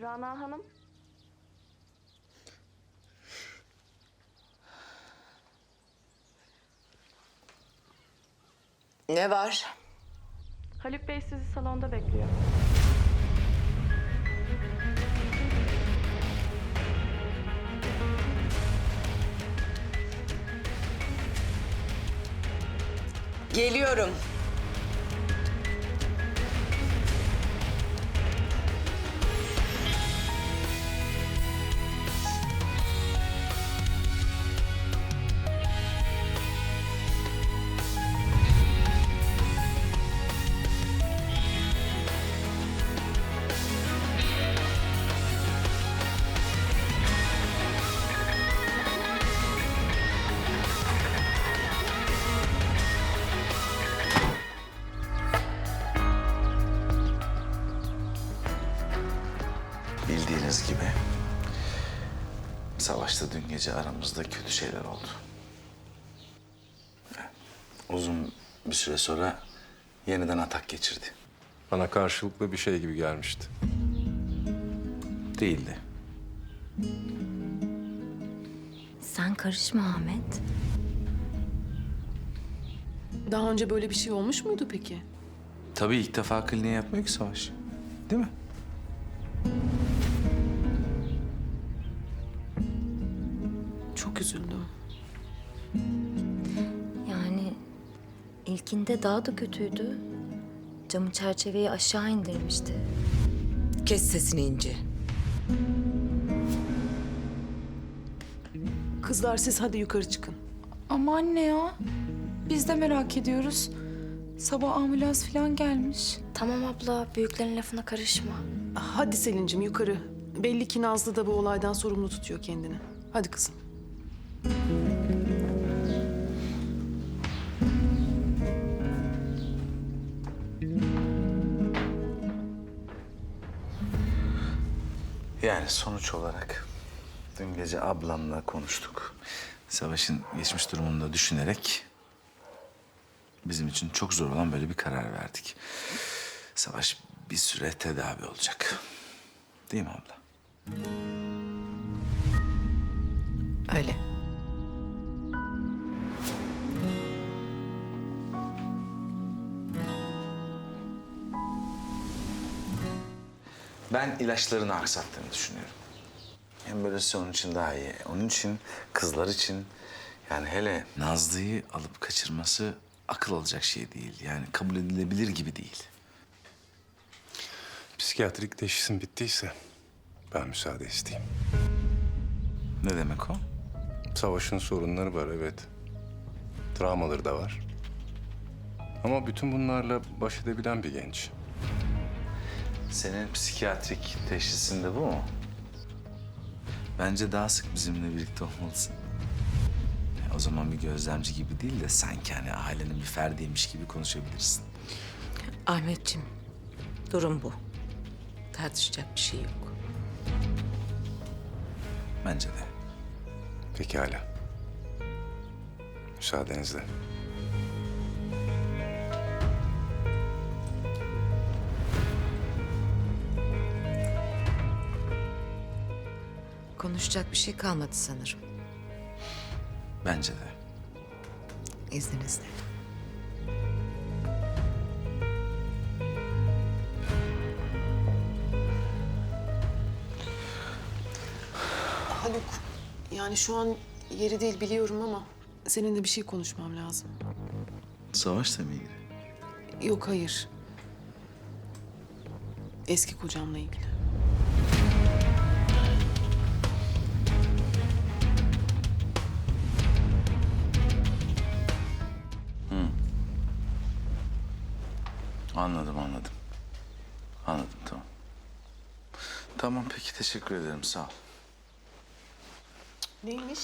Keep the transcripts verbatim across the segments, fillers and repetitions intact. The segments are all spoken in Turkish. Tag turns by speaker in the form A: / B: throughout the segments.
A: Rana Hanım.
B: Ne var?
A: Haluk Bey sizi salonda bekliyor.
B: Geliyorum.
C: Bildiğiniz gibi savaşta dün gece aramızda kötü şeyler oldu. Uzun bir süre sonra yeniden atak geçirdi.
D: Bana karşılıklı bir şey gibi gelmişti.
C: Değildi.
E: Sen karışma Ahmet.
F: Daha önce böyle bir şey olmuş muydu peki?
C: Tabii ilk defa kliniğe yapmıyor ki Savaş. Değil mi?
F: Çok üzüldüm.
E: Yani ilkinde daha da kötüydü. Camı çerçeveyi aşağı indirmişti.
B: Kes sesini İnci.
F: Kızlar siz hadi yukarı çıkın.
G: Ama anne ya. Biz de merak ediyoruz. Sabah ambulans falan gelmiş.
E: Tamam abla, büyüklerin lafına karışma.
F: Hadi Selin'cim yukarı. Belli ki Nazlı da bu olaydan sorumlu tutuyor kendini. Hadi kızım.
C: Yani sonuç olarak dün gece ablamla konuştuk. Savaş'ın geçmiş durumunu da düşünerek bizim için çok zor olan böyle bir karar verdik. Savaş bir süre tedavi olacak. Değil mi abla?
B: Öyle.
C: Ben ilaçlarını aksattığını düşünüyorum. Hem böylesi onun için daha iyi. Onun için, kızlar için. Yani hele Nazlı'yı alıp kaçırması akıl alacak şey değil. Yani kabul edilebilir gibi değil.
D: Psikiyatrik teşhisim bittiyse ben müsaade isteyeyim.
C: Ne demek o?
D: Savaşın sorunları var, evet. Travmaları da var. Ama bütün bunlarla baş edebilen bir genç.
C: Senin psikiyatrik teşhisin de bu mu? Bence daha sık bizimle birlikte olmalısın. Ya o zaman bir gözlemci gibi değil de sanki hani ailenin bir ferdiymiş gibi konuşabilirsin.
B: Ahmetciğim, durum bu. Tartışacak bir şey yok.
C: Bence de.
D: Pekala. Müsaadenizle.
B: Konuşacak bir şey kalmadı sanırım.
C: Bence de.
B: İzninizle.
F: Haluk, yani şu an yeri değil biliyorum ama seninle bir şey konuşmam lazım.
C: Savaşla mı ilgili?
F: Yok hayır. Eski kocamla ilgili.
C: Anladım, anladım. Anladım, tamam. Tamam, peki teşekkür ederim, sağ ol.
F: Neymiş?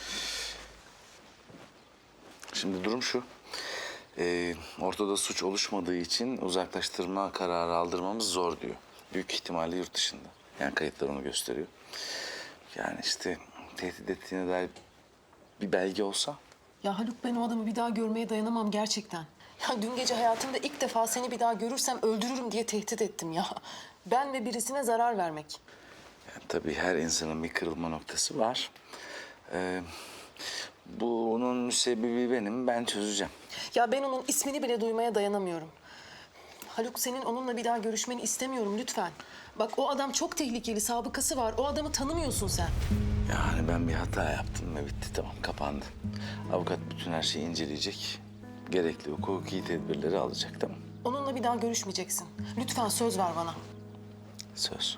C: Şimdi durum şu. Ee, ortada suç oluşmadığı için uzaklaştırma kararı aldırmamız zor diyor. Büyük ihtimalle yurt dışında. Yani kayıtlar onu gösteriyor. Yani işte tehdit ettiğine dair bir belge olsa.
F: Ya Haluk ben o adamı bir daha görmeye dayanamam gerçekten. Ya dün gece hayatımda ilk defa seni bir daha görürsem öldürürüm diye tehdit ettim ya. Ben ve birisine zarar vermek.
C: Yani tabii her insanın bir kırılma noktası var. Ee, bunun müsebbibi benim, ben çözeceğim.
F: Ya ben onun ismini bile duymaya dayanamıyorum. Haluk, senin onunla bir daha görüşmeni istemiyorum lütfen. Bak, o adam çok tehlikeli, sabıkası var. O adamı tanımıyorsun sen.
C: Yani ben bir hata yaptım ve bitti, tamam, kapandı. Avukat bütün her şeyi inceleyecek. Gerekli hukuki tedbirleri alacak, tamam.
F: Onunla bir daha görüşmeyeceksin. Lütfen söz ver bana.
C: Söz.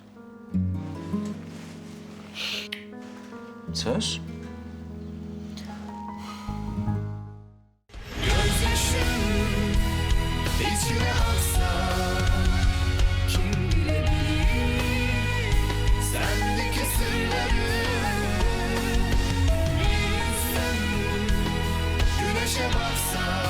C: Söz.
H: İçine aksa kim bilebilir sendeki sırları. Bir insan güneşe baksa